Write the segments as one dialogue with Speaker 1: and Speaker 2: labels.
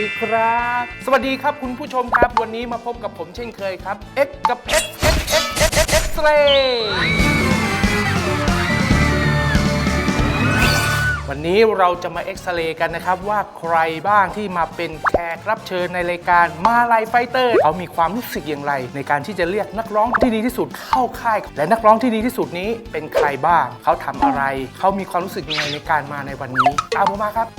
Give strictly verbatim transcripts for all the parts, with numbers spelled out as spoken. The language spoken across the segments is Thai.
Speaker 1: ดีครับสวัสดีครับคุณผู้ชมครับวันนี้มาพบกับผมเช่นเคยครับ X กับ X X X X X X Ray วันนี้เราจะมาเอ็กซเรย์กันนะครับว่าใครบ้างที่มาเป็นแขกรับเชิญในรายการมาลัยไฟเตอร์เขามีความรู้สึกอย่างไรในการที่จะเรียกนักร้องที่ดีที่สุดเข้าค่ายและนักร้องที่ดีที่สุดนี้เป็นใครบ้างเขาทำอะไรเขามีความรู้สึกยังไงในการมาในวันนี้ตามผมมาครับ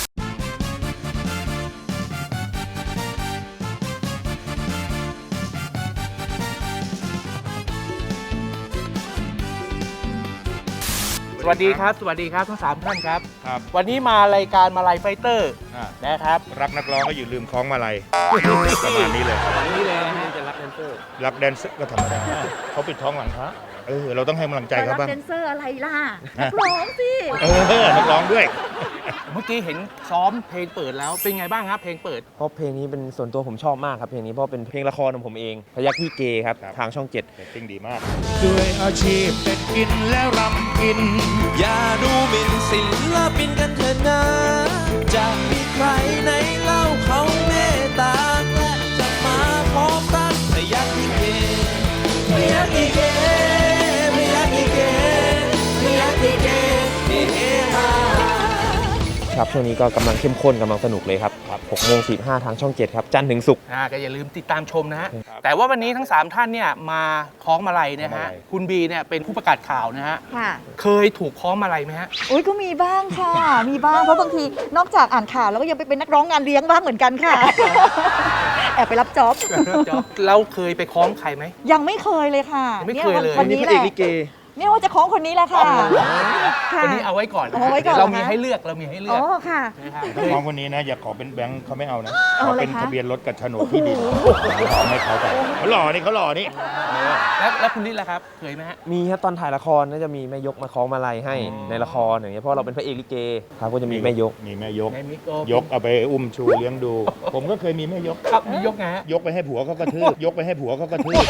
Speaker 1: สวัสดีครับสวัสดีครับทั้งสามท่านครับครับวันนี้มารายการมาลัยไฟเตอร์นะครับ
Speaker 2: รักนักร้องก็อยู่ลืมคล้องมาลัยประมาณนี้เลย
Speaker 1: ประมาณนี้เลยนะจะรักแดนเซอร์
Speaker 2: รักแดนเซอร์ก็ธรรมดาเขาปิดท้องหลังพระเออเราต้องให้กำลังใจเขาบ้าง
Speaker 3: รักแดนเซอร์อะไรล่ะนักร้องสิ
Speaker 2: เออนักร้องด้วย
Speaker 1: เมื่อกี้เห็นซ้อมเพลงเปิดแล้วเป็นไงบ้างครับเพลงเปิด
Speaker 4: เพราะเพลงนี้เป็นส่วนตัวผมชอบมากครับเพลงนี้เพราะเป็นเพลงละครของผมเองพยัคฆ์พี่เกครับทางช่องเจ็ด
Speaker 2: เพลงดีมาก
Speaker 5: ด้วยอาชีพเด็ดกินและรำกินอย่าดูหมิ่นศิลปินกันเถิดนะจะมีใครไหนเล่าเขาเมตตาและจะมาพร้อมตั้งพยัคฆ์พี่เกพยัคฆ์พี่เกพยัคฆ์พี่เกพยัคฆ์พี่เกเฮฮา
Speaker 4: ครับช่วงนี้ก็กำลังเข้มข้นกำลังสนุกเลยครับหกโมงสี่สิบห้าทางช่องเจ็ดครับจันทร์ถึงศุกร์
Speaker 1: ก็อย่าลืมติดตามชมนะฮะแต่ว่าวันนี้ทั้งสามท่านเนี่ยมาคล้องมาลัยนะฮะคุณบีเนี่ยเป็นผู้ประกาศข่าวนะฮะเคยถูกคล้องมาลัยไหมฮะ
Speaker 3: โอ้ยก็มีบ้างค่ะมีบ้างเพราะบางทีนอกจากอ่านข่าวแล้วก็ยังไปเป็นนักร้องงานเลี้ยงบ้างเหมือนกันค่ะแอบไปรับจ็อบ
Speaker 1: เราเคยไปคล้องใครไหม
Speaker 3: ยังไม่เคยเลยค่ะ
Speaker 1: ไม่เคยเลย
Speaker 3: วันนี้แหละเนี่ยว่าจะคล้องคนนี้แหละค่ะ
Speaker 1: คนนี้เอาไว้ก่อน
Speaker 3: เอาไว้ก่อน
Speaker 1: เรามีให้เลือกเรามีให้เลือก
Speaker 3: อ๋อค่ะ
Speaker 2: น้องคนนี้นะอย่าขอเป็นแบงค์เขาไม่เอานะขอเป็นทะเบียนรถกับโฉนดที่ดินเอาให้เขาไปเขาหล่อนี่เขาหล่อนี่
Speaker 1: แล้วแล้วคุณนิดล่ะครับเคยไหมฮะ
Speaker 4: มีครับตอนถ่ายละครน่าจะมีแม่ยกมาคล้องมาลัยให้ในละครอย่างเงี้ยเพราะเราเป็นพระเอกลิเกครับก็จะมีแม่ยก
Speaker 2: มีแม่ยกยกเอาไปอุ้มชูเลี้ยงดูผมก็เคยมีแม่ยก
Speaker 1: ครับมียกไงฮะ
Speaker 2: ยกไปให้ผัวเขากระทืบยกไปให้ผัวเขากระทืบ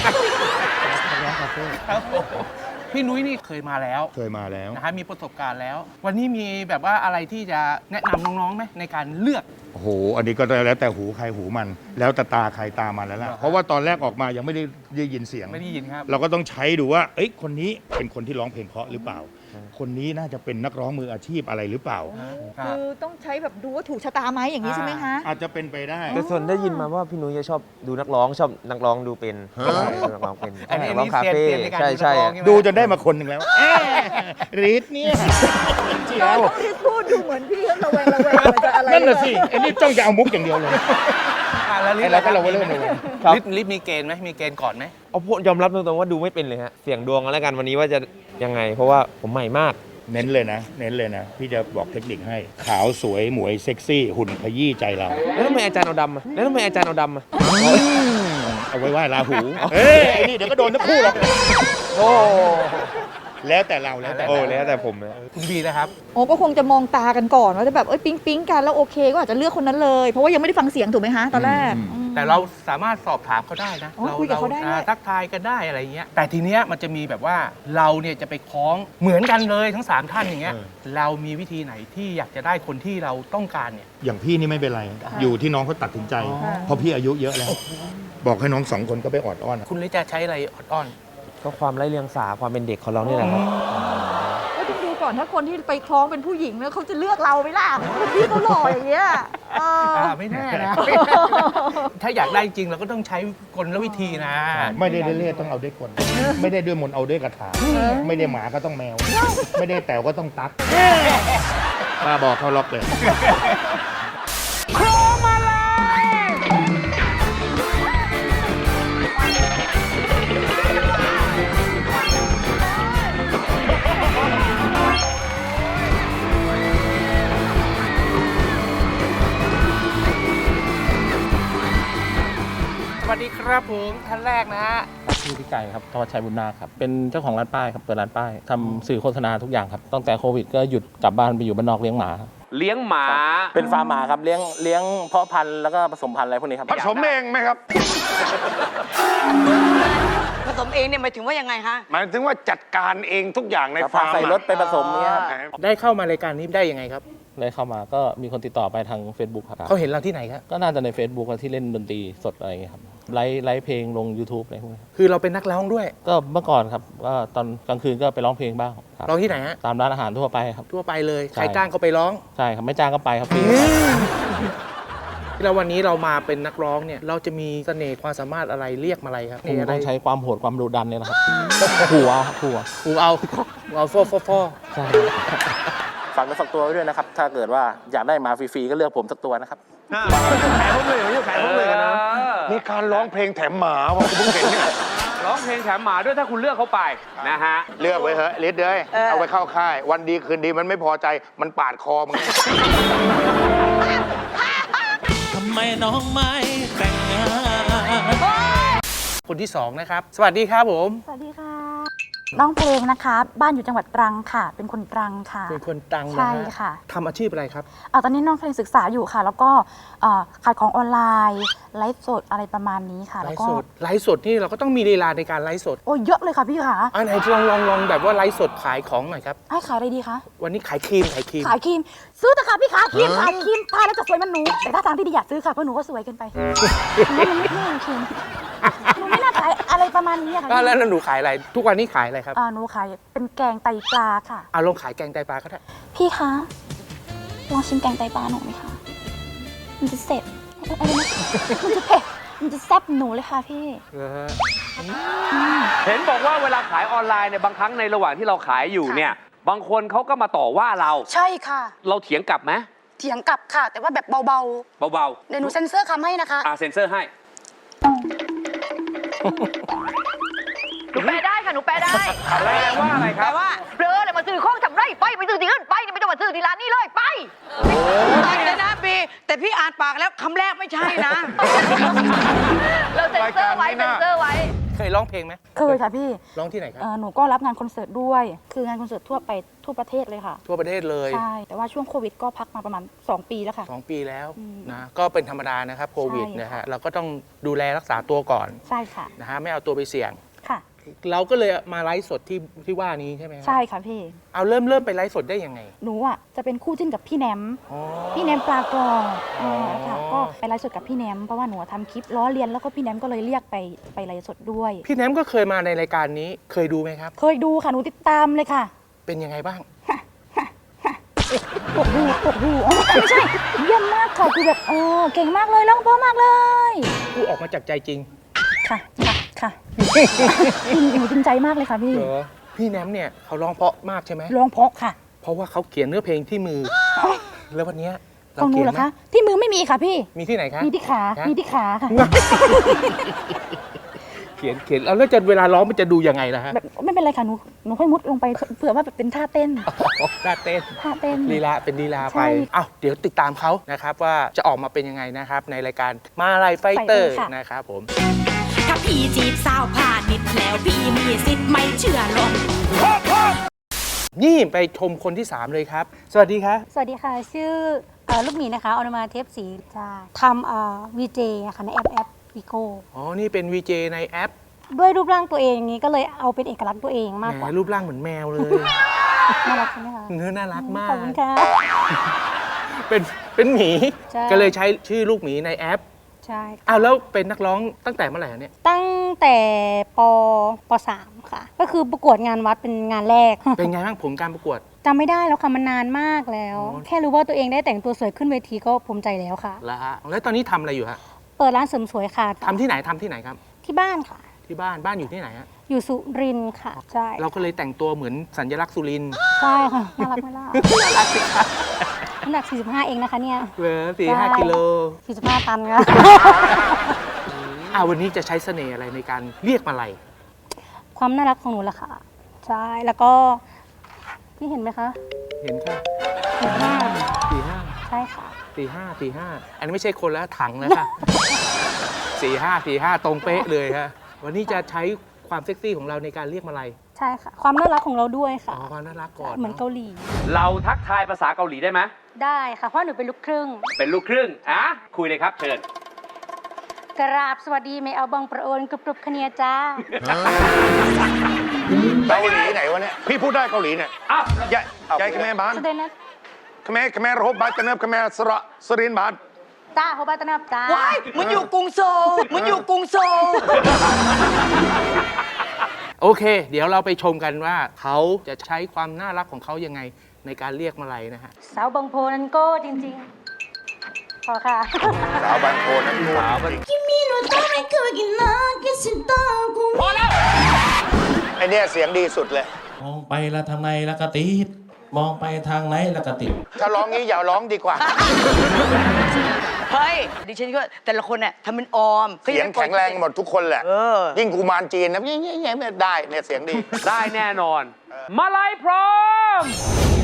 Speaker 1: พี่นุ้ยนี่เคยมาแล้ว
Speaker 2: เคยมาแล้ว
Speaker 1: นะฮะมีประสบการณ์แล้ววันนี้มีแบบว่าอะไรที่จะแนะนำน้องๆไหมในการเลือก
Speaker 2: โอ้โหอันนี้ก็แล้วแต่หูใครหูมันแล้วแต่ตาใครตามันแล้วล่ะเพราะว่าตอนแรกออกมายังไม่ได้ได้ยินเสียง
Speaker 1: ไม่ได้ยินครับ
Speaker 2: เราก็ต้องใช้ดูว่าเอ้ยคนนี้เป็นคนที่ร้องเพลงเพราะหรือเปล่าคนนี้น่าจะเป็นนักร้องมืออาชีพอะไรหรือเปล่า
Speaker 3: คือต้องใช้แบบดูว่าถูกชะตาไหมอย่างนี้ใช่ไหมคะ
Speaker 2: อาจจะเป็นไปได้
Speaker 4: แต่ส่วนได้ยินมาว่าพี่นุ้ยจะชอบดูนักร้องชอบนักร้องดูเป็นนักร้องเป็นนักร้องคาเฟ่ใช่ใช่
Speaker 2: ดูจนได้มาคนหนึ่งแล้วรีดเนี่ย
Speaker 3: เราต้องรีบพูดดูเหมือนพี่ระแวงระแวงมันจะอะไร
Speaker 2: นั่นแหละสิไอ้นี่จ้องจะเอามุกอย่างเดียวเลย
Speaker 1: แล้วลิศ
Speaker 2: เราก็เราเริ่มเลย
Speaker 1: ลิศลิศมีเกณฑ์ไหมมีเกณฑ์ก่อนไหม
Speaker 4: เอาพูดยอมรับตรงๆว่าดูไม่เป็นเลยฮะเสี่ยงดวงกันแล้วกันวันนี้ว่าจะยังไงเพราะว่าผมใหม่มาก
Speaker 2: เน้นเลยนะเน้นเลยนะพี่จะบอกเทคนิคให้ขาวสวยหมวยเซ็กซี่หุ่นขยี้ใจเรา
Speaker 4: แล้วทำไมอาจารย์เอาดำอ่ะแล้วทำไมอาจารย์เอาดำอ่ะ
Speaker 2: เอาไว้ไหว้ราหูเฮ้ยไอ้นี่เดี๋ยวก็โดนทั้งคู่หรอกโอ้แล้วแต่เราแล้วแต่
Speaker 4: โอ้แล้วแต่ผมนะ
Speaker 1: คุณบีนะครับ
Speaker 3: โอ้ก็คงจะมองตากันก่อนว่าจะแบบเอ้ยปิ๊งปิ๊งกันแล้วโอเคก็อาจจะเลือกคนนั้นเลยเพราะว่ายังไม่ได้ฟังเสียงถูกไหมฮะตอนแรก
Speaker 1: แต่เราสามารถสอบถามเขาได้นะ
Speaker 3: เราคุยกับเขาได้
Speaker 1: ทักทายกันได้อะไรเงี้ยแต่ทีเนี้ยมันจะมีแบบว่าเราเนี่ยจะไปคล้องเหมือนกันเลยทั้งสามท่านอย่างเงี้ยเรามีวิธีไหนที่อยากจะได้คนที่เราต้องการเนี่ย
Speaker 2: อย่างพี่นี่ไม่เป็นไรอยู่ที่น้องเขาตัดสินใจเพราะพี่อายุเยอะแล้วบอกให้น้องสองคนก็ไปออดอ้อน
Speaker 1: คุณเลยจะใช้อะไรออดอ้อน
Speaker 4: ก็ความไร้เรียงสาความเป็นเด็กของเรานี่แหละครับ
Speaker 3: ก็ต้องดูก่อนถ้าคนที่ไปคล้องเป็นผู้หญิงแล้วเขาจะเลือกเราไหมล่ะพี่เขาหล่ออย่างเงี้ย
Speaker 1: ไม่แน่นะถ้าอยากได้จริงเราก็ต้องใช้กลวิธีนะ
Speaker 2: ไม่ได้เล่ๆต้องเอาด้วยกลไม่ได้ด้วยมนต์เอาด้วยกระถาไม่ได้หมาก็ต้องแมวไม่ได้แต๋วก็ต้องตั๊กมาบอกเขาล็อกเลย
Speaker 1: คล้องมาลัยสวัสดีครับผมท่านแรกนะฮะ
Speaker 6: ชื่อพี่ไก่ครับธวัชชัยบุญนาคครับเป็นเจ้าของร้านป้ายครับเปิดร้านป้ายทำสื่อโฆษณาทุกอย่างครับตั้งแต่โควิดก็หยุดกลับบ้านไปอยู่บ้านนอกเลี้ยงหมา
Speaker 1: เลี้ยงหมา
Speaker 6: เป็นฟาร์มหมาครับเลี้ยงเลี้ยงเพาะพันธุ์แล้วก็ผสมพันธุ์อะไรพวกนี้ครับ
Speaker 2: ผสมเองไหมครับ
Speaker 7: ผสมเองเนี่ยหมายถึงว่ายังไงฮะ
Speaker 2: หมายถึงว่าจัดการเองทุกอย่างในฟาร์ม
Speaker 6: ใส่รถไปผสมนี้ครับ
Speaker 1: ได้เข้ามารายการนี้ได้ยังไงครับ
Speaker 6: เลยเข้ามาก็มีคนติดต่อไปทาง Facebook ครับ
Speaker 1: เขาเห็นเราที่ไหนครับ
Speaker 6: ก็น่าจะใน Facebook ที่เล่นดนตรีสดอะไรอย่างเงี้ยครับไลฟ์ไลฟ์เพลงลง YouTube อะไรพวกนี้
Speaker 1: คือเราเป็นนักร้องด้วย
Speaker 6: ก็เมื่อก่อนครับก็ตอนกลางคืนก็ไปร้องเพลงบ้างครับ
Speaker 1: ร้องที่ไหนฮะ
Speaker 6: ตามร้านอาหารทั่วไปครับ
Speaker 1: ทั่วไปเลย
Speaker 6: ใช่
Speaker 1: ใครจ้างก็ไปร้อง
Speaker 6: ใช่ครับไม่จ้างก็ไปครับฟรี
Speaker 1: แล้ววันนี้เรามาเป็นนักร้องเนี่ยเราจะมีเสน่ห์ความสามารถอะไรเรียกมาอะไรครับ
Speaker 6: ผม
Speaker 1: อะไร
Speaker 6: ต้องใช้ความโหดความดุดันเนี่ยนะครับหัวหัว
Speaker 1: กูเอาเอาฟอฟอฟอ
Speaker 6: ใช่
Speaker 1: ฝากเนื้อฝากตัวไว้ด้วยนะครับ ถ้าเกิดว่าอยากได้มาฟรีๆก็เลือกผมสักตัวนะครับ
Speaker 2: ขายพวกเลยไม่ใช่ขายพวกเลยกันนะมีการร้องเพลงแถมหมาว่ะคุณเพิ่งเห็นเนี่ย
Speaker 8: ร้องเพลงแถมหมาด้วยถ้าคุณเลือกเขาไปนะฮะ
Speaker 2: เลือกไว้เถอะลิศเลยเอาไปเข้าค่าย วันดีคืนดีมันไม่พอใจมันปาดคอมึง
Speaker 5: ทำไมน้องไม่แต่งงาน
Speaker 1: คนที่สองนะครับ สวัสดีครับผม
Speaker 9: สวัสดีค่ะร้องเพลงนะคะ บ้านอยู่จังหวัดตรังค่ะ เป็นคนตรังค่ะ
Speaker 1: เป็นคนตรังนะ
Speaker 9: ใช่
Speaker 1: ฮะ
Speaker 9: ค่ะ
Speaker 1: ทำอาชีพอะไรครับ
Speaker 9: เอ่อตอนนี้น้องเพลงศึกษาอยู่ค่ะ แล้วก็เอ่อขายของออนไลน์ไลฟ์สดอะไรประมาณนี้ค่ะ
Speaker 1: ไล
Speaker 9: แล้ว
Speaker 1: ฟ์
Speaker 9: ก็
Speaker 1: สด ไลฟ์สดนี่เราก็ต้องมีลีลาในการไลฟ์สด
Speaker 9: โอ้ยเยอะเลยค่ะพี่ค่ะ
Speaker 1: อันไหนลองลองลองแบบว่าไลฟ์สดขายของหน่อยครับ
Speaker 9: ให้ขายอะไรดีคะ
Speaker 1: วันนี้ขายครีมขายครีม
Speaker 9: ขายครีม ซื้อเถอะค่ะพี่ขาครีมขายครีมทาแล้วจะสวยเหมันหนู แต่ถ้าทางที่ดีอยากซื้อค่ะ เพราะหนูก็สวยเกินไปหนูว่ามันไม่ไม่โอเคหนูไม่น่าขายอะไรประมาณนี้อะค่ะ
Speaker 1: อ่ะแล้วแล้วหนูขายอะไร ทุกวันนี้ขายอะไรครับ
Speaker 9: อ่าหนูขายเป็นแกงไตปลาค่ะ
Speaker 1: เอาลองขายแกงไตปลาก็ได้
Speaker 9: พี่คะลองชิมแกงไตปลาหนูไหมคะ มันจะเสร็จอะไรนะมันจะเผ็ด มันจะแซ่บหนูเลยค่ะพี่
Speaker 8: เห็นบอกว่าเวลาขายออนไลน์เนี่ยบางครั้งในระหว่างที่เราขายอยู่เนี่ย บางคนเขาก็มาต่อว่าเรา
Speaker 7: ใช่ค่ะ
Speaker 8: เราเถียงกลับไหม
Speaker 7: เถียงกลับค่ะ แต่ว่าแบบเบา
Speaker 8: เบา
Speaker 7: ๆ เดี๋ยวหนูเซ็นเซอร์คำให้นะคะ
Speaker 8: ๆอ่าเซ็นเซอร์ให้
Speaker 3: หนูแปลได้ค่ะ หนูแปลได้
Speaker 8: แปลว่าอะไรครับ
Speaker 7: แต่ว่า
Speaker 3: เบลอเลยมาซื้อของทำไรไป ไปซื้อที่อื่นไปนี่ไม่ต้องมาซื้อที่ร้านนี้เลยไป
Speaker 7: ได้เลยนะปีแต่พี่อ่านปากแล้วคำแรกไม่ใช่นะ
Speaker 3: เราเซ็นเซอร์ไว้ เซ็นเซอร์ไว้
Speaker 1: เคยร้องเพลงไหม
Speaker 9: เคยค่ะพี่
Speaker 1: ร้องที่ไหนครับ
Speaker 9: เอ่อหนูก็รับงานคอนเสิร์ตด้วย คืองานคอนเสิร์ตทั่วไปทั่วประเทศเลยค่ะ
Speaker 1: ทั่วประเทศเลย
Speaker 9: ใช่ แต่ว่าช่วงโควิดก็พักมาประมาณ สอง ปีแล้วค่ะ
Speaker 1: สองปีแล้ว
Speaker 9: อืม
Speaker 1: นะ ก็เป็นธรรมดานะครับโควิด
Speaker 9: ใช่
Speaker 1: นะฮะ เราก็ต้องดูแลรักษาตัวก่อน
Speaker 9: ใช่ค่ะ
Speaker 1: นะฮะ ไม่เอาตัวไปเสี่ยง
Speaker 9: ค่ะ
Speaker 1: เราก็เลยมาไลฟ์สดที่ที่ว่านี้ใช่ไหมครับ
Speaker 9: ใช่ค่ะพี่
Speaker 1: เอาเริ่มเริ่มไปไลฟ์สดได้ยังไง
Speaker 9: หนูอ่ะจะเป็นคู่จิ้นกับพี่แหนม
Speaker 1: อ๋อ
Speaker 9: พี่แหนมปลากรอบเออค่ะ
Speaker 1: อ๋อ
Speaker 9: ก็ไปไลฟ์สดกับพี่แหนมเพราะว่าหนูทำคลิปล้อเลียนแล้วก็พี่แหนมก็เลยเรียกไปไปไลฟ์สดด้วย
Speaker 1: พี่แหนมก็เคยมาในรายการนี้ เคยดูไหมครับ
Speaker 9: เคยดูค่ะหนูติดตามเลยค่ะ
Speaker 1: เป็นยังไงบ้าง
Speaker 9: ปวดหูปวดหูอ๋อไม่ใช่เยี่ยมมากค่ะคือแบบเออเก่งมากเลยร้องเพราะมากเลย
Speaker 1: พูดออกมาจากใจจริง
Speaker 9: ค่ะค่ะค่ะจริงหนูจริงใจมากเลยค่ะพี่
Speaker 1: เหรอ พี่แหนมเนี่ยเขาร้องเพราะมากใช่ไหม
Speaker 9: ร้องเพราะค่ะ
Speaker 1: เพราะว่าเขาเขียนเนื้อเพลงที่มือ แล้ววันเนี้ย
Speaker 9: ข
Speaker 1: เรา
Speaker 9: องหนู
Speaker 1: เขียน
Speaker 9: เหรอ
Speaker 1: ไหม
Speaker 9: คะที่มือไม่มีค่ะพี่
Speaker 1: มีที่ไหนคะ
Speaker 9: มีที่ขา
Speaker 1: ฮะ
Speaker 9: มีที่ขาค่ะ
Speaker 1: เขียนเขียนแล้วแล้วจะเวลาร้องมันจะดูยังไงล่ะฮะ
Speaker 9: แบบไม่เป็นไรค่ะหนูหนูค่อยมุดลงไปเผื่อว่าแบบเป็นท่าเต้น
Speaker 1: ท่าเต้น
Speaker 9: ท่าเต้น
Speaker 1: ลีลาเป็นลีลา
Speaker 9: ใช่
Speaker 1: ไปอ้าวเดี๋ยวติดตามเขานะครับว่าจะออกมาเป็นยังไงนะครับ ในรายการมาลายไฟเตอร์
Speaker 9: ค่ะ
Speaker 1: นะครับผม
Speaker 10: ถ้าพี่จีบสาวผ่านนิดแล้วพี่มีสิทธิ์ไม่เชื่อหรอก
Speaker 1: นี่ไปชมคนที่ สามเลยครับ สวัสดีครับ
Speaker 11: สวัสดีค่ะ ชื่อเอ่อลูกหมีนะคะออนุมาเทพศรีจะทำวีเจค่ะในแอปแอปวิโก้
Speaker 1: อ๋อ นี่เป็น วี เจ ในแอป
Speaker 11: ด้วยรูปร่างตัวเองอย่างนี้ก็เลยเอาเป็นเอกลักษณ์ตัวเองมาก
Speaker 1: แห
Speaker 11: กว่า
Speaker 1: มรูปร่างเหมือนแมวเลย
Speaker 11: น่ารักใช่ไหมคะ
Speaker 1: เนื้อน่ารักมา
Speaker 11: ข
Speaker 1: ก
Speaker 11: อบคุณค่ะ
Speaker 1: เป็นเป็นหมี
Speaker 11: ใช่
Speaker 1: ก็เลยใช้ชื่อลูกหมีในแอป
Speaker 11: ใช่
Speaker 1: อ้าวแล้วเป็นนักร้องตั้งแต่เมื่อไหร่เนี่ย
Speaker 11: ตั้งแต่ปปสามค่ะ ก็คือประกวดงานวัดเป็นงานแรก
Speaker 1: เป็นไงบ้างผลการประกวด
Speaker 11: จำไม่ได้แล้วค่ะมันนานมากแล้ว
Speaker 1: อ๋อ
Speaker 11: แค่รู้ว่าตัวเองได้แต่งตัวสวยขึ้นเวทีก็ภูมิใจแล้วค่ะ
Speaker 1: แล้วฮะแล้วตอนนี้ทำอะไรอยู่ฮะ
Speaker 11: เปิดร้านเสริมสวยค่ะ
Speaker 1: ทำที่ไหนทำที่ไหนครับ
Speaker 11: ที่บ้านค่ะ
Speaker 1: ที่บ้านบ้านอยู่ที่ไหนฮะ
Speaker 11: อยู่สุรินทร์ค่ะ ใช่
Speaker 1: เราก็เลยแต่งตัวเหมือนสัญลักษณ์สุรินทร์
Speaker 11: ใช่ค่ะน่ารักไหมล่ะ
Speaker 1: น่ารักสิครับ
Speaker 11: น้ำหนักสี่สิบห้าเองนะคะเนี่ย
Speaker 1: เหลือสี่ห้ากิโล
Speaker 11: สี่สิบห้าตันค่ะ
Speaker 1: อ่าวันนี้จะใช้เสน่ห์อะไรในการเรียกมาลัย
Speaker 11: ความน่ารักของหนูแหละค่ะ ใช่ แล้วก็ นี่เห็นไหมคะ
Speaker 1: เห็นค่ะ
Speaker 11: สี่ห้า
Speaker 1: สี่ห้า
Speaker 11: ใช่ค่ะ
Speaker 1: สี่ห้าสี่ห้าอันนี้ไม่ใช่คนแล้วถังแล้วค่ะ สี่ห้าสี่ห้าตรงเป๊ะเลยฮะวันนี้จะใช้ความเซ็กซี่ของเราในการเรียกมาลัย
Speaker 11: ใช่ค่ะ ความน่ารักของเราด้วย
Speaker 1: อ๋
Speaker 11: ค่ะ
Speaker 1: อความน่ารักก่อน
Speaker 11: เหมือนเกาหลี
Speaker 8: เราทักทายภาษาเกาหลีได้ไหม
Speaker 11: ได้ค่ะ เพราะหนูเป็นลูกครึ่ง
Speaker 8: เป็นลูกครึ่งอ่ะคุยเลยครับเชิญ
Speaker 11: กราบสวัสดีไม่เอาบังประโอนกรุบกรุบคะเนียจ้า
Speaker 2: เกาหลีไหนวะเนี่ย พี่พูดได้เกาหลีเนี่ย
Speaker 8: อ้าว
Speaker 2: ยายยายกับแม่บ้าน
Speaker 11: แสดงนะ
Speaker 2: ขมรขมรโฮบาตเนิบขมรสระสรินบาท
Speaker 9: จ้าโฮบาตนาบจ้า
Speaker 7: ว้ายมันอยู่กรุงโซลมันอยู่กรุงโซล
Speaker 1: โอเค เดี๋ยวเราไปชมกันว่าเขาจะใช้ความน่ารักของเขายังไงในการเรียกมาลัยนะฮะ
Speaker 9: สาวบางโพนันโก้จริงๆ พอค่ะ
Speaker 2: สาวบางโพนั่นสาวบางพอแล้วไอเนี่ยเสียงดีสุดเลย
Speaker 6: มองไปแล้วทางในแล้วก็ติดมองไปทางไหนแล้วก็ติด
Speaker 2: ถ้าร้องงี้อย่าร้องดีกว่า
Speaker 7: เฮ้ย ดิฉันก็แต่ละคนเนี่ยทำเป็นออม
Speaker 2: เสียงแข็งแรงหมดทุกคนแหละ
Speaker 7: เออ
Speaker 2: ยิ่งกุมารจีนนะยิ่งๆๆได้เนี่ยเสียงดี
Speaker 8: ได้แน่นอน มาลัยพร้อม